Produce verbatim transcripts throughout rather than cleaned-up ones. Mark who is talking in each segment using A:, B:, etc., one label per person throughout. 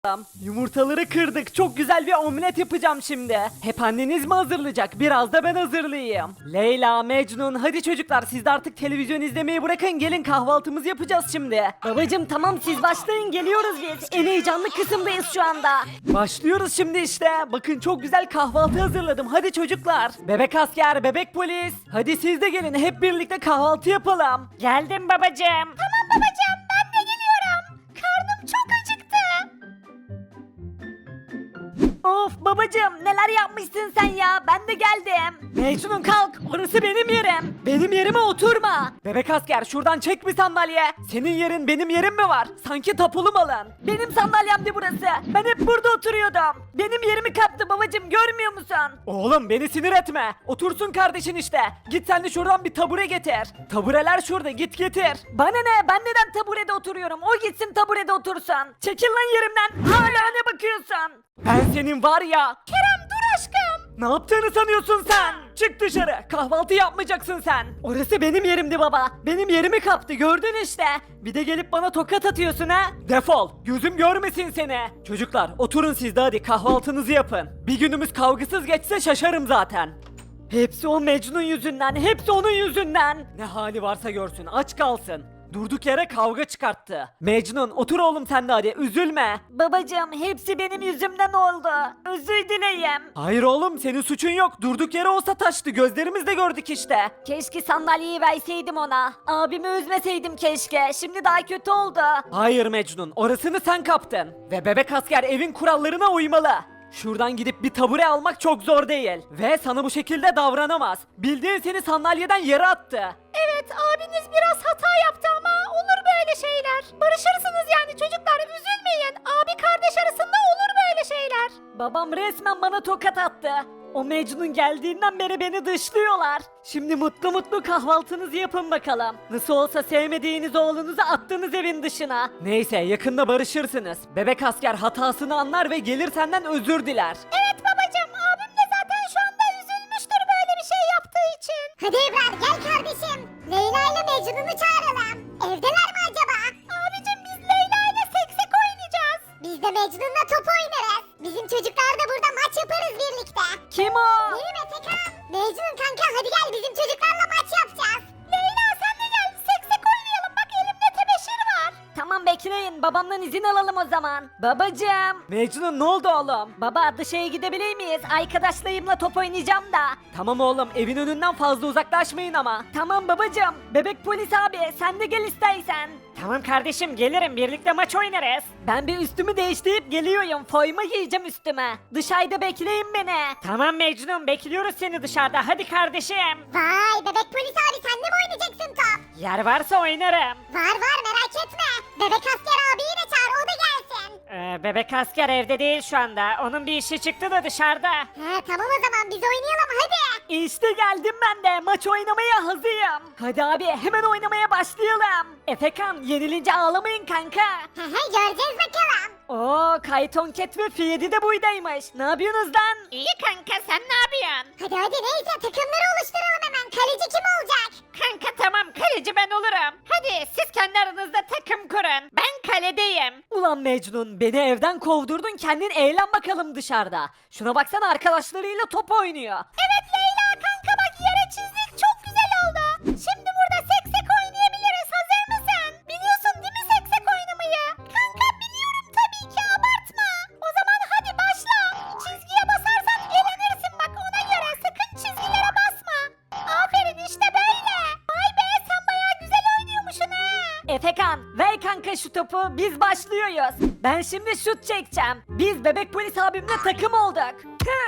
A: Yumurtaları kırdık. Çok güzel bir omlet yapacağım şimdi. Hep anneniz mi hazırlayacak? Biraz da ben hazırlayayım. Leyla, Mecnun, hadi çocuklar siz de artık televizyon izlemeyi bırakın. Gelin kahvaltımızı yapacağız şimdi.
B: Babacım tamam siz başlayın geliyoruz biz. En heyecanlı kısımdayız şu anda.
A: Başlıyoruz şimdi işte. Bakın çok güzel kahvaltı hazırladım. Hadi çocuklar. Bebek asker, bebek polis. Hadi siz de gelin. Hep birlikte kahvaltı yapalım.
B: Geldim babacım.
C: Tamam babacığım ben de geliyorum. Karnım çok acıktı.
B: Of babacım neler yapmışsın sen ya ben de geldim.
A: Mecnun kalk. Orası benim yerim. Benim yerime oturma. Bebek asker şuradan çek bir sandalye. Senin yerin benim yerim mi var? Sanki tapulu malın.
B: Benim sandalyemdi burası. Ben hep burada oturuyordum. Benim yerimi kaptı babacım görmüyor musun?
A: Oğlum beni sinir etme. Otursun kardeşin işte. Git sen de şuradan bir tabure getir. Tabureler şurada git getir.
B: Bana ne ben neden taburede oturuyorum o gitsin taburede otursun. Çekil lan yerimden hala ne bakıyorsun?
A: Ben senin var ya.
C: Kerem dur aşkım.
A: Ne yaptığını sanıyorsun sen? Çık dışarı. Kahvaltı yapmayacaksın sen. Orası benim yerimdi baba. Benim yerimi kaptı gördün işte. Bir de gelip bana tokat atıyorsun ha? Defol. Gözüm görmesin seni. Çocuklar oturun siz de hadi kahvaltınızı yapın. Bir günümüz kavgasız geçse şaşarım zaten. Hepsi o Mecnun yüzünden. Hepsi onun yüzünden. Ne hali varsa görsün aç kalsın. Durduk yere kavga çıkarttı. Mecnun otur oğlum sen de hadi üzülme.
B: Babacım hepsi benim yüzümden oldu. Özür dileyim.
A: Hayır oğlum senin suçun yok. Durduk yere olsa taştı. Gözlerimizle gördük işte.
B: Keşke sandalyeyi verseydim ona. Abimi üzmeseydim keşke. Şimdi daha kötü oldu.
A: Hayır Mecnun, orasını sen kaptın. Ve bebek asker evin kurallarına uymalı. Şuradan gidip bir tabure almak çok zor değil. Ve sana bu şekilde davranamaz. Bildiğin seni sandalyeden yere attı.
C: Evet abiniz biraz hata yaptı ama olur böyle şeyler. Barışırsınız yani çocuklar üzülmeyin. Abi kardeş arasında olur böyle şeyler.
B: Babam resmen bana tokat attı. O Mecnun geldiğinden beri beni dışlıyorlar.
A: Şimdi mutlu mutlu kahvaltınızı yapın bakalım. Nasıl olsa sevmediğiniz oğlunuzu attınız evin dışına. Neyse yakında barışırsınız. Bebek asker hatasını anlar ve gelir senden özür diler.
C: Evet babacığım abim de zaten şu anda üzülmüştür böyle bir şey yaptığı için. Hadi Ebrar gel kardeşim. Leyla ile Mecnun'u çağıralım. Evdeler mi acaba? Abicim biz Leyla ile seksek oynayacağız. Biz de Mecnun'la top oynarız. Bizim çocuklar da burada maç yaparız birlikte.
B: Kim o?
C: Benim Efekan. Mecnun kanka hadi gel bizim çocuklarla maç yapacağız. Leyla sen de gel seksek oynayalım bak elimde tebeşir var.
B: Tamam bekleyin babamdan izin alalım o zaman. Babacım.
A: Mecnun ne oldu oğlum?
B: Baba dışarıya gidebilir miyiz? Arkadaşlarımla top oynayacağım da.
A: Tamam oğlum evin önünden fazla uzaklaşmayın ama.
B: Tamam babacım. Bebek polis abi sen de gel istersen.
A: Tamam kardeşim gelirim birlikte maç oynarız.
B: Ben bir üstümü değiştirip geliyorum. Forma giyeceğim üstüme. Dışarıda bekleyin beni.
A: Tamam Mecnun bekliyoruz seni dışarıda hadi kardeşim.
C: Vay bebek polis abi sen de mi oynayacaksın top?
A: Yer varsa oynarım.
C: Var var merak etme. Bebek asker abiyi de çağır o da gelsin.
A: Ee, bebek asker evde değil şu anda. Onun bir işi çıktı da dışarıda.
C: He tamam o zaman biz oynayalım hadi.
B: İşte geldim ben de. Maç oynamaya hazırım. Hadi abi hemen oynamaya başlayalım. Efekan yenilince ağlamayın kanka.
C: He he göreceğiz bakalım.
B: Oo Kayton Cat ve Fiyedi de buydaymış. Ne yapıyorsunuz lan?
C: İyi kanka sen ne yapıyorsun? Hadi hadi neyse takımları oluşturalım hemen. Kaleci kim olacak?
A: Kanka tamam kaleci ben olurum. Hadi siz kendi aranızda takım kurun. Ben kaledeyim.
B: Ulan Mecnun beni evden kovdurdun kendin eğlen bakalım dışarıda. Şuna baksana arkadaşlarıyla top oynuyor.
C: Evet Leyla kanka bak yere çizdik çok güzel oldu. Şimdi burada seksek oynayabiliriz hazır mısın? Biliyorsun değil mi seksek oynamayı? Kanka biliyorum tabii ki abartma. O zaman hadi başla. Çizgiye basarsan elenirsin bak ona göre sakın çizgilere basma. Aferin işte böyle. Vay be sen bayağı güzel oynuyormuşsun ha.
B: Efekan ver kanka şu topu biz başlıyoruz. Ben şimdi şut çekeceğim. Biz bebek polis abimle takım olduk.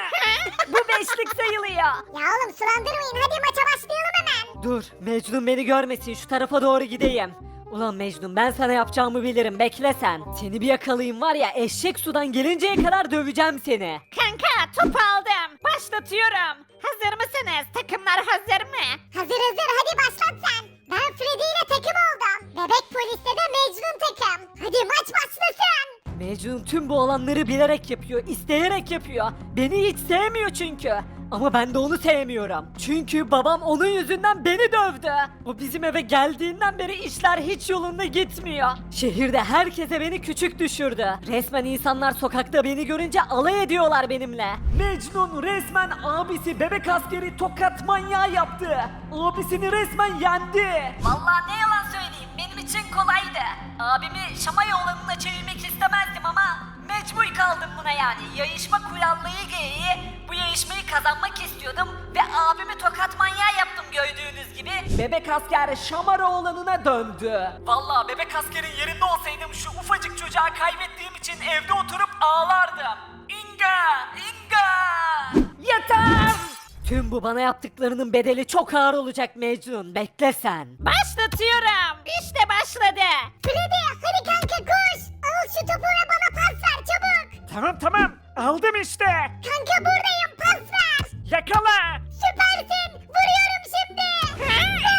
B: Bu beşlik sayılıyor.
C: Ya oğlum sulandırmayın hadi maça başlayalım hemen.
A: Dur Mecnun beni görmesin şu tarafa doğru gideyim. Ulan Mecnun ben sana yapacağımı bilirim bekle sen. Seni bir yakalayayım var ya eşek sudan gelinceye kadar döveceğim seni.
C: Kanka topu aldım. Başlatıyorum. Hazır mısınız? Takımlar hazır mı? Hazır hazır hadi başlat sen. Ben Freddy ile takım oldum. Bebek poliste de Mecnun takım. Hadi maç başlasın.
A: Mecnun tüm bu olanları bilerek yapıyor, isteyerek yapıyor. Beni hiç sevmiyor çünkü. Ama ben de onu sevmiyorum. Çünkü babam onun yüzünden beni dövdü. O bizim eve geldiğinden beri işler hiç yolunda gitmiyor. Şehirde herkese beni küçük düşürdü. Resmen insanlar sokakta beni görünce alay ediyorlar benimle. Mecnun resmen abisi bebek askeri tokat manyağı yaptı. Abisini resmen yendi.
B: Vallahi ne yalan söyleyeyim benim için kolaydı. Abimi Şamayoğlan'ına çevirmek istemezdim ama mecbur kaldım buna yani. Yayışma kurallığı gereği bu yayışmayı kazanmak istiyordum ve abimi tokat manyağı yaptım gördüğünüz gibi.
A: Bebek asker Şamaroğlan'ına döndü. Vallahi bebek askerin yerinde olsaydım şu ufacık çocuğa kaybettiğim için evde oturup ağlardım. İnga! İnga! Yeter! Tüm bu bana yaptıklarının bedeli çok ağır olacak Mecnun. Bekle sen.
B: Başlatıyorum. İşte başladı.
C: Freddy hadi kanka koş. Al şu topu ve bana pas ver çabuk.
A: Tamam tamam. Aldım işte.
C: Kanka buradayım pas ver.
A: Yakala.
C: Süpersin. Vuruyorum şimdi. Gol!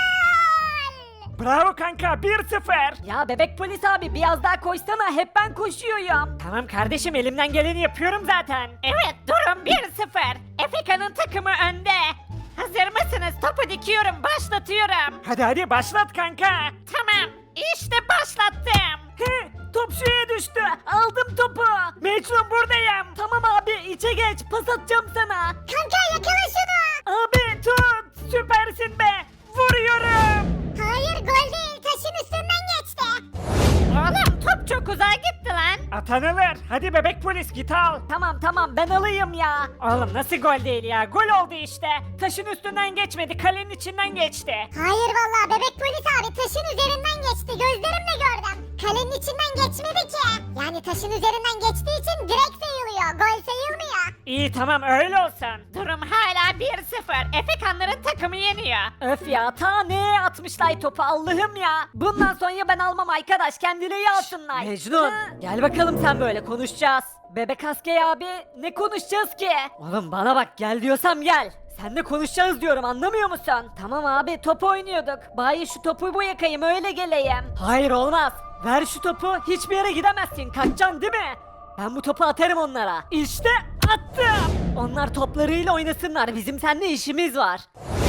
A: Bravo kanka bir sıfır.
B: Ya bebek polis abi biraz daha koşsana hep ben koşuyorum.
A: Tamam kardeşim elimden geleni yapıyorum zaten.
B: Evet durum bir sıfır. Efeka'nın takımı önde. Hazır mısınız? Topu dikiyorum başlatıyorum.
A: Hadi hadi başlat kanka.
B: Tamam işte başlattım.
A: He, top şuraya düştü. Aldım topu. Mecnun buradayım. Tamam abi içe geç pas atacağım sana.
C: Kanka yakala şunu.
A: Abi tut. Süpersin be. Vuruyorum.
C: Hayır gol değil taşın üstünden geçti.
B: Oğlum top çok uzağa gitti lan.
A: Atan alır. Hadi bebek polis git al.
B: Tamam tamam ben alayım ya.
A: Oğlum nasıl gol değil ya? Gol oldu işte. Taşın üstünden geçmedi. Kalenin içinden geçti.
C: Hayır vallahi bebek polis abi taşın üzerinden geçti gözlerimle gördüm. Kalenin içinden geçmedi ki. Yani taşın üzerinden geçtiği için direkt sayılıyor. Gol sayılmıyor.
A: İyi tamam öyle olsun.
B: Durum hala bir sıfır. Efekanların takımı yeniyor. Öf ya ta neye atmışlar topu Allah'ım ya. Bundan sonra ben almam arkadaş kendileri alsınlar.
A: Mecnun gel bakalım sen böyle konuşacağız.
B: Bebek askeri abi ne konuşacağız ki?
A: Oğlum bana bak gel diyorsam gel. Seninle konuşacağız diyorum anlamıyor musun?
B: Tamam abi top oynuyorduk. Bari şu topu bu yakayım öyle geleyim.
A: Hayır olmaz. Ver şu topu hiçbir yere gidemezsin. Kaçacaksın değil mi? Ben bu topu atarım onlara. İşte attım. Onlar toplarıyla oynasınlar. Bizim seninle işimiz var.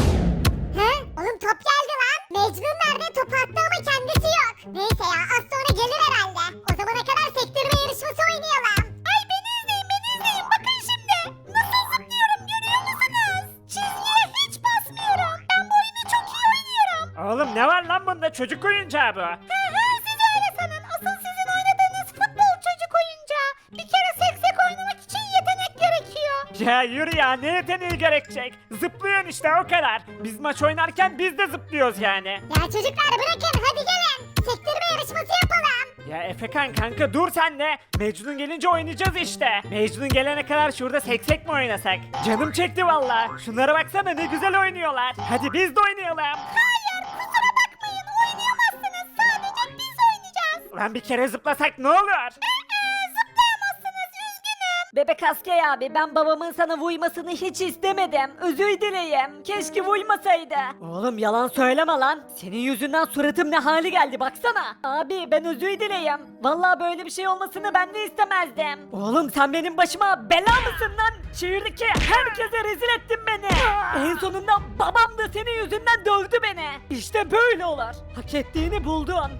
C: He? Oğlum top geldi lan. Mecnun nerede? Top attı ama kendisi yok. Neyse ya az sonra gelir herhalde. O zamana kadar sektirme yarışması oynayalım. Ay beni izleyin beni izleyin. Bakın şimdi. Nasıl zıplıyorum görüyor musunuz? Çizgiye hiç basmıyorum. Ben bu oyunu çok iyi oynuyorum.
A: Oğlum ne var lan bunda? Çocuk oyuncağı bu.
C: He he siz öyle sanın. Asıl sizin oynadığınız futbol çocuk oyuncağı. Bir kere seksek oynamak için yetenek gerekiyor.
A: Ya yürü ya ne yeteneği gerekecek? Zıplıyorsun işte o kadar. Biz maç oynarken biz de zıplıyoruz yani.
C: Ya çocuklar bırakın hadi gelin. Sektirme yarışması yapalım.
A: Ya Efekan kanka dur sen de. Mecnun gelince oynayacağız işte. Mecnun gelene kadar şurada seksek mi oynasak? Canım çekti valla. Şunlara baksana ne güzel oynuyorlar. Hadi biz de oynayalım.
C: Hayır kusura bakmayın oynayamazsınız. Sadece biz oynayacağız.
A: Lan bir kere zıplasak ne olur?
C: Ee, zıplayamazsınız üzgünüm.
B: Bebek askeri abi ben babamın sana vurmasını hiç istemedim. Özür dileyim. Keşke vurmasaydı.
A: Oğlum yalan söyleme lan. Senin yüzünden suratım ne hali geldi baksana.
B: Abi ben özür dileyim. Vallahi böyle bir şey olmasını ben de istemezdim.
A: Oğlum sen benim başıma bela mısın lan? Şehirdeki herkese rezil ettin beni. En sonunda babam da senin yüzünden dövdü beni. İşte böyle olur. Hak ettiğini buldun.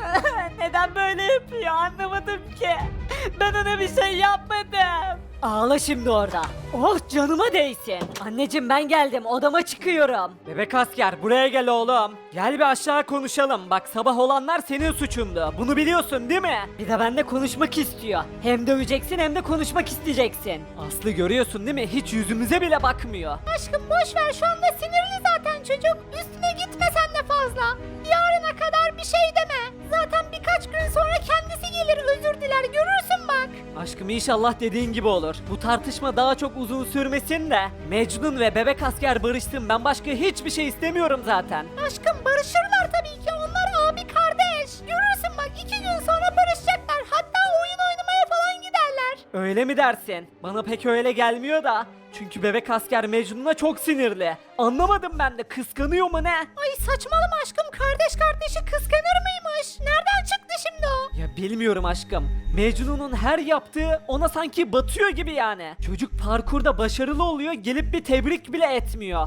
B: Neden böyle yapıyor anlamadım ki. Ben ona bir şey yapmadım.
A: Ağla şimdi orada. Oh canıma değsin. Anneciğim ben geldim odama çıkıyorum. Bebek asker buraya gel oğlum. Gel bir aşağı konuşalım. Bak sabah olanlar senin suçundu. Bunu biliyorsun değil mi? Bir de benimle konuşmak istiyor. Hem döveceksin hem de konuşmak isteyeceksin. Aslı görüyorsun değil mi? Hiç yüzümüze bile bakmıyor.
C: Aşkım boş ver şu anda sinirli zaten çocuk. Üstüne gitme sen de fazla. Yarına kadar bir şey deme. Zaten birkaç gün sonra kendisi gelir özür diler görürsün bak.
A: Aşkım inşallah dediğin gibi olur. Bu tartışma daha çok uzun sürmesin de. Mecnun ve bebek asker barışsın. Ben başka hiçbir şey istemiyorum zaten.
C: Aşkım barışırlar tabii ki onlar abi kardeş. Görürsün bak iki gün sonra barışacaklar. Hatta oyun oynamaya falan giderler.
A: Öyle mi dersin? Bana pek öyle gelmiyor da. Çünkü bebek asker Mecnun'a çok sinirli. Anlamadım ben de, kıskanıyor mu ne?
C: Ay saçmalama aşkım, kardeş kardeşi kıskanır mıymış? Nereden çıktı şimdi o?
A: Ya bilmiyorum aşkım. Mecnun'un her yaptığı ona sanki batıyor gibi yani. Çocuk parkurda başarılı oluyor, gelip bir tebrik bile etmiyor.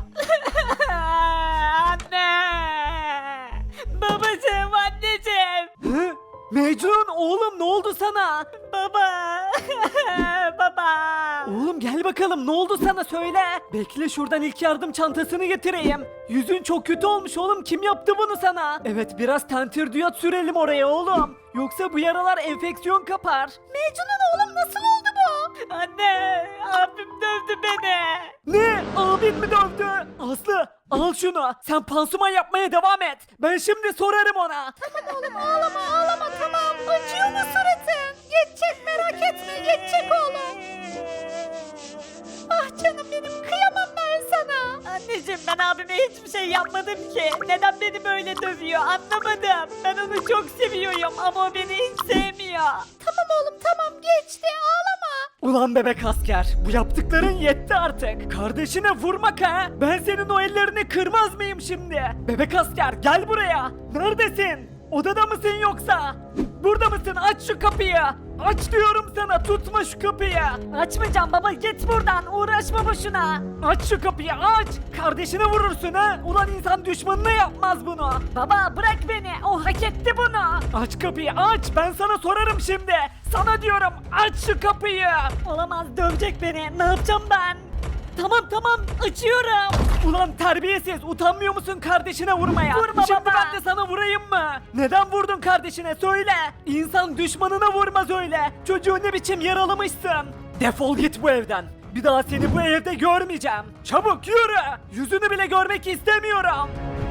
B: Anne! Babacığım, anneciğim!
A: Hı? Mecnun oğlum, ne oldu sana?
B: Baba! Baba!
A: Oğlum gel bakalım, ne oldu sana, söyle. Bekle, şuradan ilk yardım çantasını getireyim. Yüzün çok kötü olmuş oğlum, kim yaptı bunu sana? Evet, biraz tentürdiyot sürelim oraya oğlum. Yoksa bu yaralar enfeksiyon kapar.
C: Mecnun oğlum, nasıl oldu bu?
B: Anne! Abim dövdü beni!
A: Ne? Abin mi dövdü? Aslı al şunu, sen pansuman yapmaya devam et. Ben şimdi sorarım ona.
C: Tamam oğlum, ağlama ağlama, tamam. Acıyor mu suratın? Geçecek, merak etme, geçecek oğlum. Ah canım benim, kıyamam ben sana.
B: Anneciğim, ben abime hiçbir şey yapmadım ki. Neden beni böyle dövüyor anlamadım. Ben onu çok seviyorum ama o beni hiç sevmiyor.
C: Tamam oğlum, tamam, geçti, ağlama.
A: Ulan bebek asker, bu yaptıkların yetti artık. Kardeşine vurmak ha? Ben senin o ellerini kırmaz mıyım şimdi? Bebek asker gel buraya. Neredesin? Odada mısın yoksa? Burada mısın? Aç şu kapıyı. Aç diyorum sana, tutma şu kapıyı.
B: Açmayacağım baba, git buradan, uğraşma boşuna.
A: Aç şu kapıyı, aç. Kardeşine vurursun ha? Ulan insan düşmanına yapmaz bunu.
B: Baba bırak beni, o hak etti bunu.
A: Aç kapıyı, aç. Ben sana sorarım şimdi. Sana diyorum, aç şu kapıyı.
B: Olamaz, dövecek beni, ne yapacağım ben? Tamam tamam, açıyorum.
A: Ulan terbiyesiz, utanmıyor musun kardeşine vurmaya?
B: Vurma
A: Şimdi
B: baba.
A: ben de sana vurayım mı? Neden vurdun kardeşine, söyle. İnsan düşmanına vurmaz öyle. Çocuğu ne biçim yaralamışsın? Defol git bu evden. Bir daha seni bu evde görmeyeceğim. Çabuk yürü. Yüzünü bile görmek istemiyorum.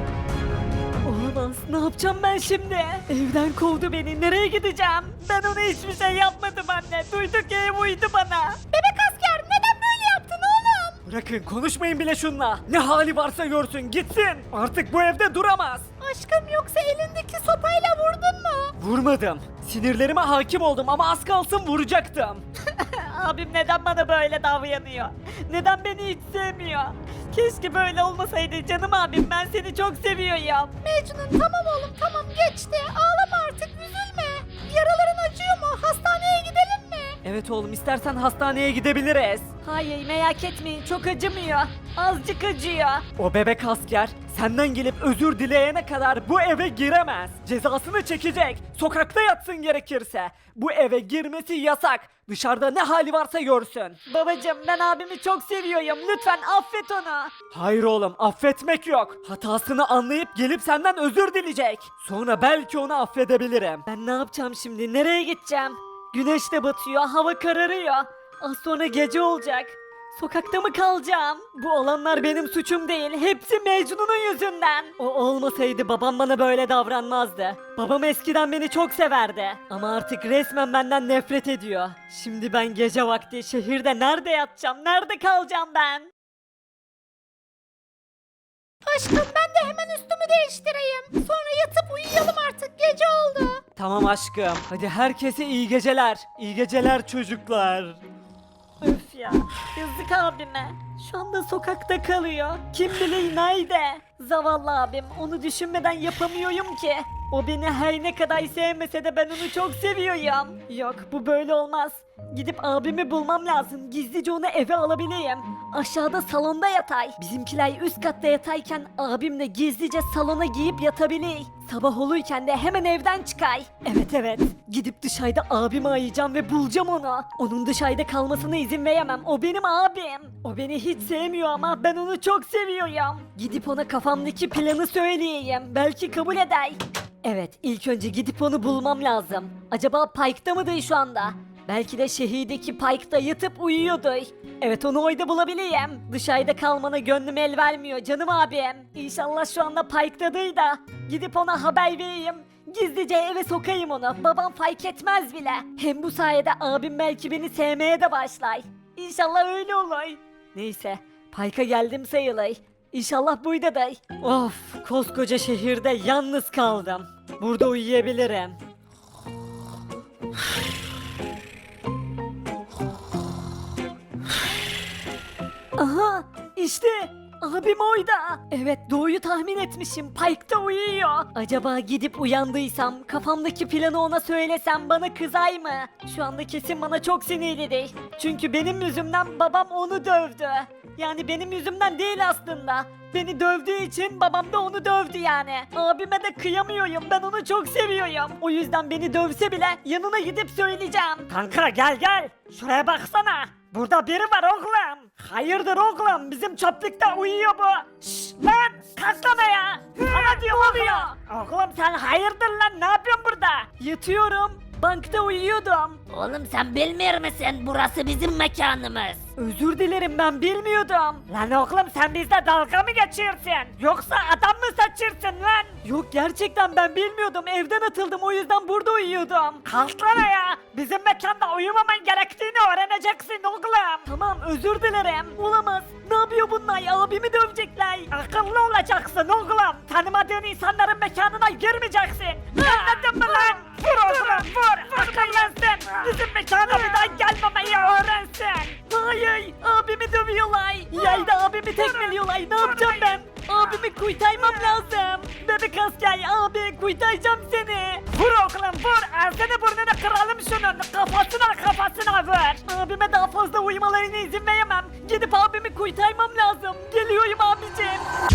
B: Olamaz, ne yapacağım ben şimdi? Evden kovdu beni, nereye gideceğim? Ben ona hiçbir şey yapmadım anne, duyduk ki ev uydu bana.
C: Bebek asker, neden böyle yaptın oğlum?
A: Bırakın, konuşmayın bile şunla. Ne hali varsa görsün, gitsin. Artık bu evde duramaz.
C: Aşkım, yoksa elindeki sopayla vurdun mu?
A: Vurmadım. Sinirlerime hakim oldum ama az kalsın vuracaktım.
B: Abim neden bana böyle davranıyor? Neden beni hiç sevmiyor? Keşke böyle olmasaydı canım abim, ben seni çok seviyorum.
C: Mecnun, tamam oğlum, tamam, geçti. Ağlama artık, üzülme. Yaraların acıyor mu? Hastaneye gidelim mi?
A: Evet oğlum, istersen hastaneye gidebiliriz.
B: Hayır, merak etmeyin, çok acımıyor. Azıcık acıyor.
A: O bebek asker senden gelip özür dileyene kadar bu eve giremez. Cezasını çekecek. Sokakta yatsın gerekirse. Bu eve girmesi yasak. Dışarıda ne hali varsa görsün.
B: Babacım, ben abimi çok seviyorum, lütfen affet onu.
A: Hayır oğlum, affetmek yok. Hatasını anlayıp gelip senden özür dileyecek. Sonra belki onu affedebilirim.
B: Ben ne yapacağım şimdi, nereye gideceğim? Güneş de batıyor, hava kararıyor. Az sonra gece olacak. Sokakta mı kalacağım? Bu olanlar benim suçum değil. Hepsi Mecnun'un yüzünden. O olmasaydı babam bana böyle davranmazdı. Babam eskiden beni çok severdi. Ama artık resmen benden nefret ediyor. Şimdi ben gece vakti şehirde nerede yatacağım? Nerede kalacağım ben?
C: Aşkım, ben de hemen üstümü değiştireyim. Sonra yatıp uyuyalım artık, gece oldu.
A: Tamam aşkım. Hadi herkese iyi geceler. İyi geceler çocuklar.
B: Öf ya, yazık abime. Şu anda sokakta kalıyor. Kim bilir nerede? Zavallı abim, onu düşünmeden yapamıyorum ki. O beni her ne kadar sevmese de ben onu çok seviyorum. Yok, bu böyle olmaz. Gidip abimi bulmam lazım. Gizlice onu eve alabileyim. Aşağıda salonda yatay. Bizimkiler üst katta yatayken abim de gizlice salona giyip yatabilir. Sabah olurken de hemen evden çıkay. Evet evet. Gidip dışarıda abimi arayacağım ve bulacağım onu. Onun dışarıda kalmasına izin veremem. O benim abim. O beni hiç sevmiyor ama ben onu çok seviyorum. Gidip ona kafamdaki planı söyleyeyim. Belki kabul eder. Evet, ilk önce gidip onu bulmam lazım. Acaba Pike'da mıdır şu anda? Belki de şehirdeki Pike'da yatıp uyuyordur. Evet, onu oyda bulabilirim. Dışarıda kalmana gönlüm el vermiyor canım abim. İnşallah şu anda Pike'dadır da. Gidip ona haber vereyim. Gizlice eve sokayım onu. Babam fark etmez bile. Hem bu sayede abim belki beni sevmeye de başlar. İnşallah öyle olur. Neyse, Pike'a geldim sayılır. İnşallah buradadır. Of, koskoca şehirde yalnız kaldım. Burada uyuyabilirim.
A: Aha işte abim oyda. Evet doğuyu tahmin etmişim. Parkta uyuyor. Acaba gidip uyandıysam kafamdaki planı ona söylesem bana kızay mı? Şu anda kesin bana çok sinirlidir. Çünkü benim yüzümden babam onu dövdü. Yani benim yüzümden değil aslında. Beni dövdüğü için babam da onu dövdü yani. Abime de kıyamıyorum. Ben onu çok seviyorum. O yüzden beni dövse bile yanına gidip söyleyeceğim. Kanka gel gel. Şuraya baksana. Burada biri var oğlum. Hayırdır oğlum? Bizim çöplükte uyuyor bu. Şşş lan kalksana ya. Sana diyorum oluyor. Oğlum sen hayırdır lan? Ne yapıyorsun burada? Yatıyorum. Bankta uyuyordum.
C: Oğlum sen bilmiyor musun? Burası bizim mekanımız.
A: Özür dilerim ben bilmiyordum. Lan oğlum sen bizle dalga mı geçiyorsun? Yoksa adam mı saçırsın lan? Yok gerçekten ben bilmiyordum. Evden atıldım o yüzden burada uyuyordum. Kalksana ya. Bizim mekanda uyumaman gerektiğini öğreneceksin oğlum. Tamam özür dilerim. Olamaz. Ne yapıyor bunlar? Abimi dövecekler. Akıllı olacaksın oğlum. Tanımadığın insanların mekanına girmeyeceksin. Anladın mı lan? Vur oğlum vur. Akıllansın. Bizim mekana bir daha gelmemeyi öğrensin. Hayır. Abimi dövüyorlar. Yayda abimi tekmeliyorlar. Ne yapacağım ben? Abimi kurtarmam lazım. Bebek asker abi kurtaracağım seni. Vur oğlum vur. Ağzını burnunu kıralım şunun. Kafasına kafasına vur. Abime daha fazla uyumalarına izin veremem. Gidip abimi kurtarmam lazım. Geliyorum abicim.